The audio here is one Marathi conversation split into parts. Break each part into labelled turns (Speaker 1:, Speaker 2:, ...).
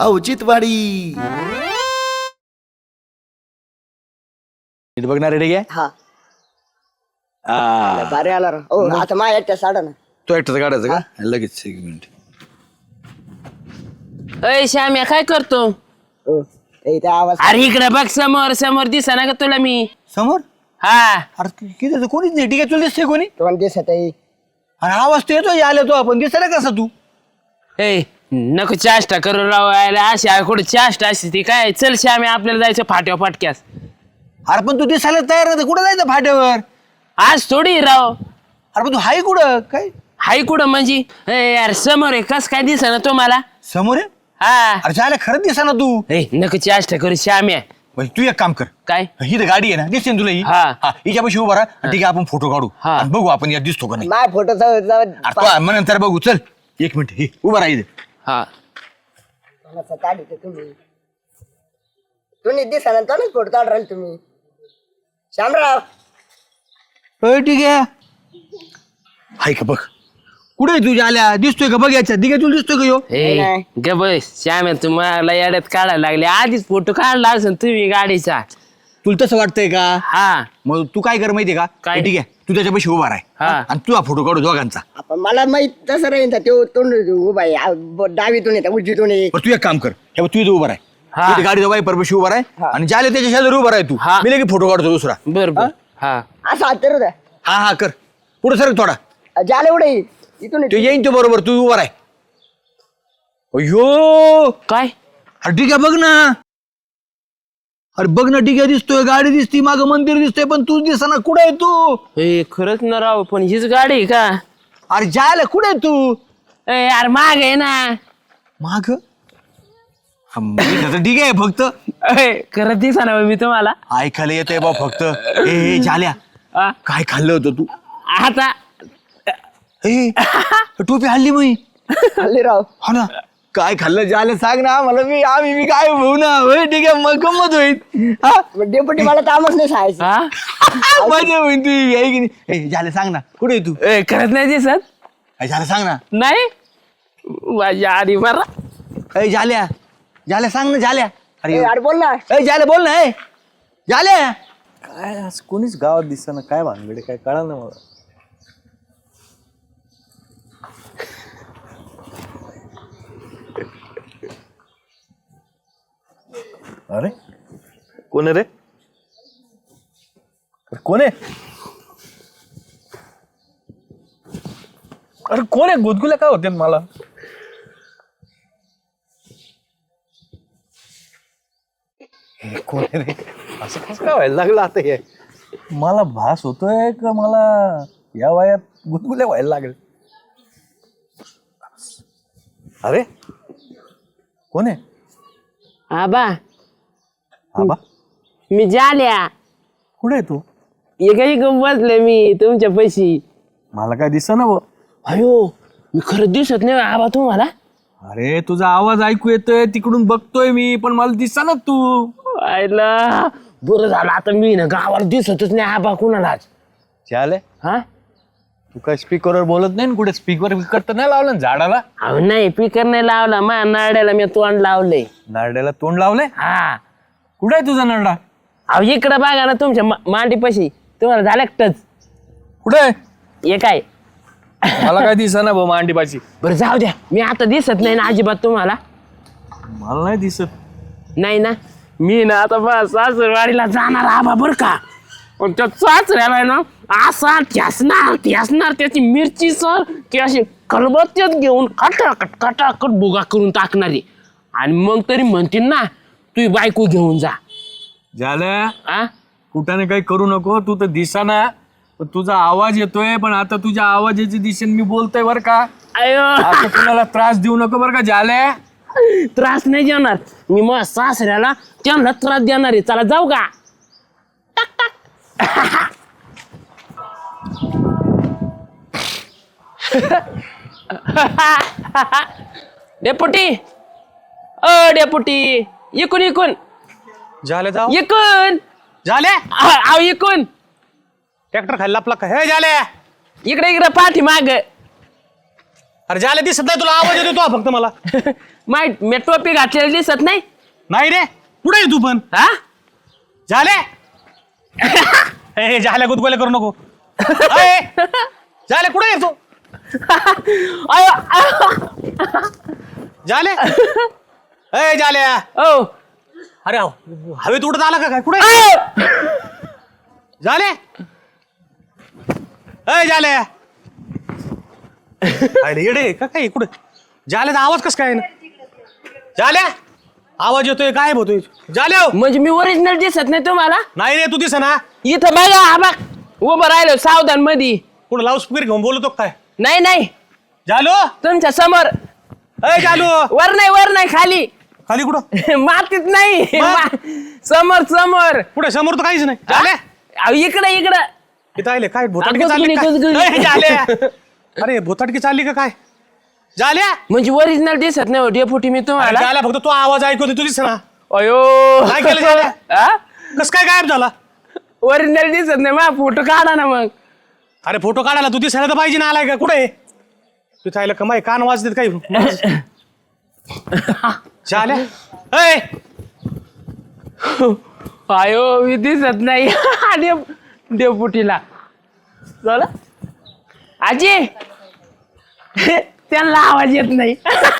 Speaker 1: औचित्यवाडी.
Speaker 2: बघणार रेडी आहे
Speaker 3: हा भारी आला राव. आता माझ्या एकट्या साडा ना
Speaker 2: तो एकटाच काढायचं का लगेच एक मिनिट.
Speaker 4: अय श्याम्या काय करतो?
Speaker 3: इथे आवाज
Speaker 4: अरे इकडे बघ समोर समोर दिसा ना का तुला मी?
Speaker 2: समोर
Speaker 4: हा
Speaker 2: अरे किती कोणीच नाही. ठीक आहे तुला दिसते कोणी
Speaker 3: तुम्हाला दिसत आहे.
Speaker 2: अरे आवाज तो येतो आले तो आपण दिसत ना कसा तू.
Speaker 4: ए नको चाष्टा करू राव. अशी कुठे चाष्टा असते ती काय? चल श्याम्या आपल्याला जायचं फाट्या फाटक्यास.
Speaker 2: अरे पण तू दिसायला तयार नाही कुठं जायचं फाट्यावर?
Speaker 4: आज थोडी राव.
Speaker 2: अरे पण तू हाय कुठं काय?
Speaker 4: हाय कुठं म्हणजे? ए यार समोर आहे कस काय दिसा ना तुम्हाला?
Speaker 2: समोर आहे.
Speaker 4: हा
Speaker 2: अरे जायला खरंच दिसा ना तू.
Speaker 4: ए नको चाष्टा करू श्याम्या.
Speaker 2: तू एक काम कर.
Speaker 4: काय?
Speaker 2: ही तर गाडी आहे ना दिसते ना तुला ही.
Speaker 4: हा.
Speaker 2: हिच्यापाशी उभा राहा. ठीक आहे आपण फोटो काढू
Speaker 4: हा.
Speaker 2: आणि बघू आपण यात दिसतो का नाही.
Speaker 3: माझ्या फोटो
Speaker 2: मग नंतर बघू. चल एक मिनिट हे उभा राहा.
Speaker 4: हा
Speaker 3: तुम्ही दिसा ना तोच फोटो काढ राहील तुम्ही. श्यामराव
Speaker 2: ठीक आहे. हाय का बघ कुठे तुझ्या आल्या दिसतोय का बघ याच्या दिघे तुला दिसतोय का यो.
Speaker 4: ए ग बस श्याम्या तुम्हाला येड्यात काढायला लागले. आधीच फोटो काढला असेल तुम्ही गाडीचा.
Speaker 2: तुला तसं वाटतंय का?
Speaker 4: हा
Speaker 2: मग तू काय कर माहितीये का?
Speaker 4: काय?
Speaker 2: ठीक आहे तू त्याच्यापाशी उभा राह
Speaker 4: हा.
Speaker 2: आणि तुझा फोटो काढू दोघांचा.
Speaker 3: आपण मला माहित तसं राहील तो तोंड उभा आहे. डावीतून येतात उजवीतून ये.
Speaker 2: बरं तू एक काम कर हे बघ, तू इथं उभा
Speaker 4: हा.
Speaker 2: राह गाडी वाईपर पाशी उभा राह आणि ज्याला त्याच्या शेजारी उभा राह तू.
Speaker 4: हा.
Speaker 2: मी लगे फोटो काढतो दुसरा.
Speaker 4: बर बर हा
Speaker 3: असं हात तर
Speaker 2: हा हा कर पुढे सर थोडा.
Speaker 3: झालं एवढं इथून
Speaker 2: तो येईन तो बरोबर तू उभा राह. अयो
Speaker 4: काय?
Speaker 2: अरे ठीक आहे बघ ना. अरे बघ ना ठीक आहे दिसतोय गाडी दिसती मागं मंदिर दिसतोय पण तू दिसना. कुठे आहे तू?
Speaker 4: ए खरंच ना राव पण हीच गाडी आहे का?
Speaker 2: अरे जायला कुठे आहे तू?
Speaker 4: ए यार माग आहे ना.
Speaker 2: माग ठीक आहे फक्त
Speaker 4: ए खरंच दिसा ना मी तुम्हाला.
Speaker 2: ऐकायला येतोय बा फक्त. ए झाल्या
Speaker 4: आ,
Speaker 2: काय खाल्लं होतं तू?
Speaker 4: आता
Speaker 2: ए टोपी हल्ली मी.
Speaker 3: हल्ली राव
Speaker 2: हो ना काय खाल्लं झालं सांग ना आम्हाला. मी काय भाऊ ना होय ठीक आहे मग गंमत होईल. हा
Speaker 3: डेपुटी मला कामच नाही सांगायचं.
Speaker 4: हा
Speaker 2: मजा होईल तू आहे की नाही. ए झालं सांग ना कुठे आहे तू?
Speaker 4: ए खरंच नाही दिसत.
Speaker 2: झालं सांग ना.
Speaker 4: नाही माझ्या आधी बरा.
Speaker 2: ए झाल्या सांग ना झाल्या. अरे
Speaker 3: अरे बोल ना.
Speaker 2: ए झाल्या बोल ना. ए झाल्या
Speaker 5: काय आज कोणीच गावात दिसना काय भानगडे काय कळा ना मला. अरे कोण आहे रे? कोण आहे? अरे कोण आहे? गुदगुल्या काय होते मला? कोण आहे रे? असं कसं काय व्हायला लागलं आता हे? मला भास होतोय का मला या वयात गुदगुल्या व्हायला लागेल. अरे कोण आहे?
Speaker 4: आबा
Speaker 5: आबा
Speaker 4: मी जाल्या.
Speaker 5: कुठे आहे तू?
Speaker 4: एकही बसले मी तुमच्या पैशी.
Speaker 5: मला काय दिसेना ना.
Speaker 4: अयो मी खरंच दिसत नाही आबा तुम्हाला.
Speaker 5: अरे तुझा आवाज ऐकू येतोय तिकडून बघतोय मी पण मला दिसेना तू.
Speaker 4: आयला बरं झालं आता मी ना गावाला दिसतच नाही आबा कुणालाच.
Speaker 5: चाले
Speaker 4: हा
Speaker 5: तू काय स्पीकरवर बोलत नाही ना कुठे? स्पीकर तर नाही लावलं ना झाडाला?
Speaker 4: अहो नाही पीकर नाही लावला मा नाड्याला मी तोंड लावलंय.
Speaker 5: नारड्याला तोंड लावलंय?
Speaker 4: हा
Speaker 5: कुठे आहे तुझा नारडा?
Speaker 4: अहो इकडं बघा ना तुमच्या मांडीपाशी. तुम्हाला झालं टच
Speaker 5: कुठे आहे?
Speaker 4: हे काय?
Speaker 5: मला काय दिसेना भाऊ मांडीपाशी.
Speaker 4: बरं जाऊ द्या मी आता दिसत नाही ना अजिबात तुम्हाला.
Speaker 5: मला नाही दिसत.
Speaker 4: नाही ना मी ना आता बस सासरवाडीला जाणार आबा बरं का. पण त्या सासऱ्याला ना असा ठ्यासणार त्याची मिरची सर की अशी खलबत्त्यात घेऊन कटाकट भुगा करून टाकणारी. आणि मग तरी म्हणतील ना तू बायको घेऊन जा.
Speaker 5: झालं
Speaker 4: आ
Speaker 5: कुठाने काही करू नको. तू तर दिसाना पण तुझा आवाज येतोय. पण आता तुझ्या आवाजाची दिशेने मी बोलतोय बरं का.
Speaker 4: अयो
Speaker 5: आता कुणाला त्रास देऊ नको बरं का. झालंय
Speaker 4: त्रास नाही देणार मी मग सासऱ्याला त्यांना त्रास देणार आहे. चला जाऊ का? डेपुटी डेपुटी इकून
Speaker 5: झालं जाऊ
Speaker 4: इकून
Speaker 5: झाल्या
Speaker 4: अहो इकून
Speaker 5: ट्रॅक्टर खाल्ला आपला हे झाल्या.
Speaker 4: इकडे पाठी माग
Speaker 2: अरे झाले दिसत नाही तुला, आवाज येतो फक्त मला.
Speaker 4: माहित मी टोपी घातलेली दिसत नाही.
Speaker 2: नाही रे, कुठे आहे तू पण?
Speaker 4: हा
Speaker 2: झाले झाल्या गुदगोल्या करू नको. अय, झाले कुठे आहे तू?
Speaker 4: अयो,
Speaker 2: झाले अय झाल्या.
Speaker 4: ओ
Speaker 2: अरे हवेत उडत आला का काय? कुठे झाले? अय झाले येडे का काय? कुठे झाल्याचा आवाज कस काय ना? झाल्या आवाज येतोय, काय होतोय? झाल्या
Speaker 4: म्हणजे मी ओरिजिनल दिसत नाही तुम्हाला?
Speaker 2: नाही रे, तू दिस ना.
Speaker 4: इथं बघा, हा बघ उभं राहिलो सावधान मध्ये.
Speaker 2: कुठं लाऊड स्पीकर घेऊन बोलतो काय?
Speaker 4: नाही नाही,
Speaker 2: झालो
Speaker 4: तुमच्या समोर.
Speaker 2: अय झालो.
Speaker 4: वर नाही खाली.
Speaker 2: खाली कुठं?
Speaker 4: मातीत नाही,
Speaker 2: मग?
Speaker 4: समोर समोर.
Speaker 2: पुढे समोर तर काहीच नाही. झाल्या
Speaker 4: अहो, इकडे
Speaker 2: इथं आले काय? भोताटकी
Speaker 4: गुदगुली,
Speaker 2: चालली काय?
Speaker 4: गुदगुली.
Speaker 2: अय, झाल्या. अरे भोताटकी चालली का काय? झाल्या
Speaker 4: म्हणजे ओरिजिनल दिसत नाही डेपुटी मी तुम्हाला.
Speaker 2: झाल्या, फक्त तो आवाज ऐकतो, तू दिस ना.
Speaker 4: अयो
Speaker 2: काय केलं झाल्या? कस काय गायब झाला?
Speaker 4: ओरिजिनल दिसत नाही, मा फोटो काढा ना मग.
Speaker 2: अरे फोटो काढायला तू दिसायला तर पाहिजे ना. आलाय का? कुठे तू? चायला कमाई कान वाजतात काही. झाल्या अय
Speaker 4: अयो मी दिसत नाही डेपुटीला. झालं आजी त्यांना आवाज येत नाही.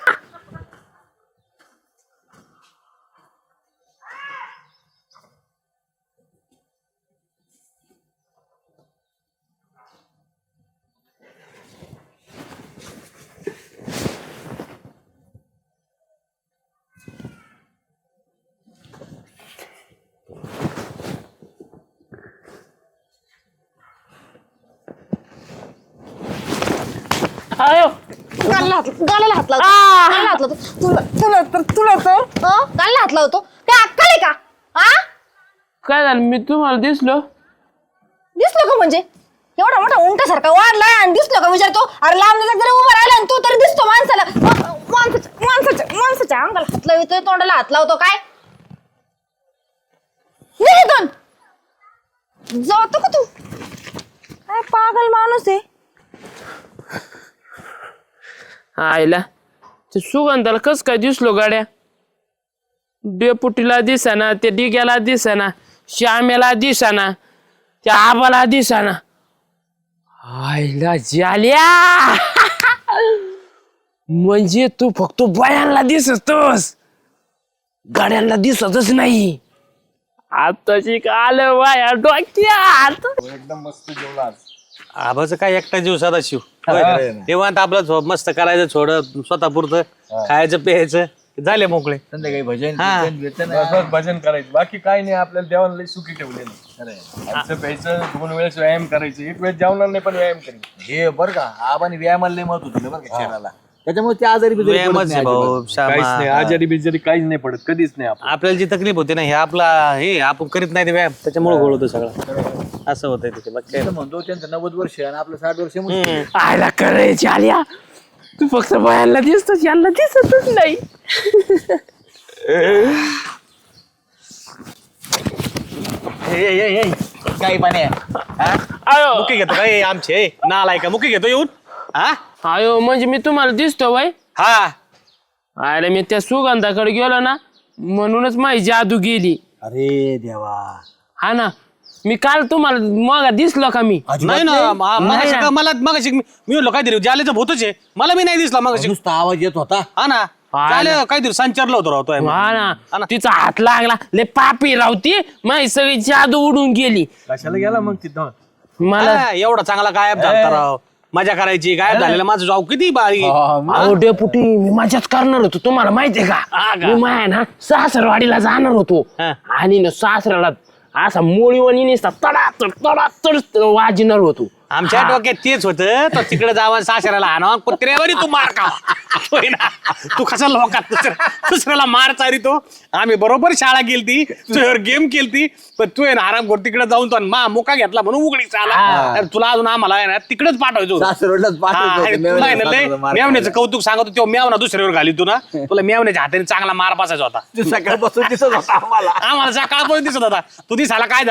Speaker 4: अयो
Speaker 1: गालाला हात लावतो. गालाला हात लावतो. गालाला हात लावतो. काय अक्कल आहे का? हा
Speaker 4: काय झालं, मी तुम्हाला दिसलो?
Speaker 1: दिसलो का म्हणजे? एवढा मोठा उंटासारखा वाढलाय आणि दिसलो का विचारतो? अरे लांब जरी उभा राहिला आणि तू तरी दिसतो माणसाला. माणसाच्या अंगाला हात लावतोय, तोंडाला हात लावतो. काय निघून जातो का तू? काय पागल माणूस आहे.
Speaker 4: आईला ते सुगंधाला कस काय दिसलो गाड्या? डेपुटीला दिसाना, त्या डिग्याला दिसाना, श्यामेला दिसाना, त्या आबाला दिसाना. आईला झाल्या म्हणजे तू फक्त बायांना दिसतोस, गाड्यांना दिसतच नाही. आताची काल वाया डोक्यात.
Speaker 2: आबाचं काय एकटा जीव सदा शिव. तेव्हा आपलं मस्त करायचं, थोडं स्वतःपुरतं खायचं प्यायचं, झाले मोकळे.
Speaker 5: संध्याकाळी भजन
Speaker 2: हा.
Speaker 5: कीर्तन, बस भजन करायचं, बाकी काय नाही. आपल्याला देवाला लई सुखी ठेवलेलं. खायचं प्यायचं, 2 वेळेस व्यायाम करायचं, 1 वेळेस जेवणार नाही पण व्यायाम करायचं. हे बरं का, आबाने व्यायामाला लई महत्व दिलं बरं का शरीराला. त्याच्यामुळे ते आजारी बिजारी पडत
Speaker 2: व्यायामच
Speaker 5: नाही
Speaker 2: आहे भाऊ,
Speaker 5: अजिबात.
Speaker 2: श्यामा.
Speaker 5: काहीच नाही, आजारी बिजारी काहीच नाही पडत, कधीच नाही. आपण
Speaker 2: आपल्याला जी तकलीफ होते ना, हे आपण करीत नाही ते व्यायाम, त्याच्यामुळे गोळ होतं सगळं. असं होतंय तिथे. बाकी काय
Speaker 5: असं म्हणतो त्यांचं 90 वर्ष आणि आपलं 60 वर्ष मुश्किल.
Speaker 4: आयला करायची आल्या, तू फक्त बायांना दिसतोस, यांना दिसतच नाही.
Speaker 5: काही पाणी
Speaker 4: आयो
Speaker 2: मुकी घेतो काय आमचे? नालाय का मुकी घेतो येऊन? हा
Speaker 4: आयो म्हणजे मी तुम्हाला दिसतो बाई?
Speaker 2: हा
Speaker 4: अरे मी त्या सुगंधाकडे गेलो ना, म्हणूनच माझी जादू गेली.
Speaker 5: अरे देवा,
Speaker 4: हा ना, मी काल तुम्हाला मग दिसलो का मी?
Speaker 2: नाही ना. मला मगाशी मी म्हणलो काहीतरी जालेचं भूतच आहे. मला मी नाही दिसला मगाशी.
Speaker 5: नुसता आवाज येत होता.
Speaker 2: हा ना, झालं काहीतरी संचारलं होतं राहतोय.
Speaker 4: हा ना, तिचा हात लागला, ले पापी रावती, माझी सगळी जादू उडून गेली.
Speaker 5: कशाला गेला मग तिथं?
Speaker 4: मला
Speaker 2: एवढा चांगला गायब झाला राव. मजा करायची, गायब झालेला माझं जाऊ किती बारी.
Speaker 4: अहो डेपुटी, मी मजाच करणार होतो, तुम्हाला माहितीये का? मी माया ना सासरवाडीला जाणार होतो
Speaker 2: हा.
Speaker 4: आणि ना सासऱ्याला असा मोळीवाणी नुसता तडातड वाजणार होतो.
Speaker 2: आमच्या डोक्यात तेच होतं. तो तिकडे जावा सासऱ्याला आणावा, कुत्र्यावरी तू मार का तू कसा लोकात दुसऱ्याला मार चारितो. आम्ही बरोबर शाळा केलती, तुझ्यावर गेम केलती, पण तू आहे ना आराम कर तिकडे जाऊन तो मा मुका घेतला म्हणून उघडीच आला. तर तुला अजून आम्हाला आहे ना तिकडेच पाठवायचो.
Speaker 5: सासरवडलाच पाठवायचं होतं.
Speaker 2: तुला आहे ना लय
Speaker 5: सासरवडला मार
Speaker 2: मेवण्याचं कौतुक सांगतो. तो मेवना दुसऱ्यावर घाली तू ना, तुला मेवण्याच्या हाताने चांगला मार बसायचा होता.
Speaker 5: खायचं. सकाळपासून दिसत होता आम्हाला.
Speaker 2: आम्हाला सकाळपर्यंत दिसत होता. तू दिसायला काय झालंय?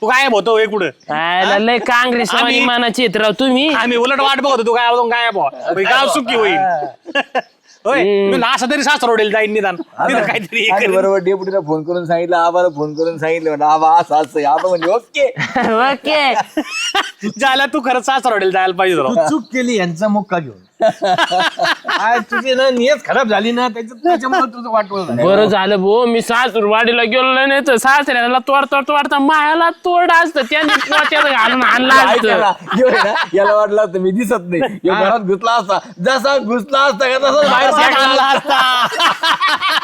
Speaker 2: तू गायब होतो हे कुठं
Speaker 4: काय लय काँग्रेस
Speaker 2: आम्ही-
Speaker 4: मानाचे आहेत राव तुम्ही.
Speaker 2: आम्ही उलट वाट बघतो तू गायब होय गाव सुखी होईल होय मी असं तरी सासरवडेल जाईन निदान तिथं काहीतरी हे
Speaker 5: आणि
Speaker 2: करेन.
Speaker 5: बरोबर डेपुटीला फोन करून सांगितलं आबाला फोन करून सांगितलं म्हणलं आबा असं असं आबा म्हणजे ओके
Speaker 4: ओके.
Speaker 2: जायला तू खरंच सासरवडेल जायला पाहिजे
Speaker 5: तू
Speaker 2: होतं.
Speaker 5: चूक केली यांचा मुक्का घेऊन आज तुझी ना नियत खराब झाली ना त्याच्यामुळे तुझं वाटवलं झालं.
Speaker 4: बरं झालं भो मी सासूरवाडीला गेलो नाही तर सासऱ्याला तोडता मायाला तोड असतं त्यांनी पोत्यात घालून आणला
Speaker 5: ऐका
Speaker 4: असतं.
Speaker 5: ना, ह्यो आहे ना, याला वाटलं असतं मी दिसत नाही ह्यो घरात घुसला असता जसा घुसला असता का तसा बाहेर
Speaker 2: बाहेर
Speaker 5: फेकला
Speaker 2: आणला असता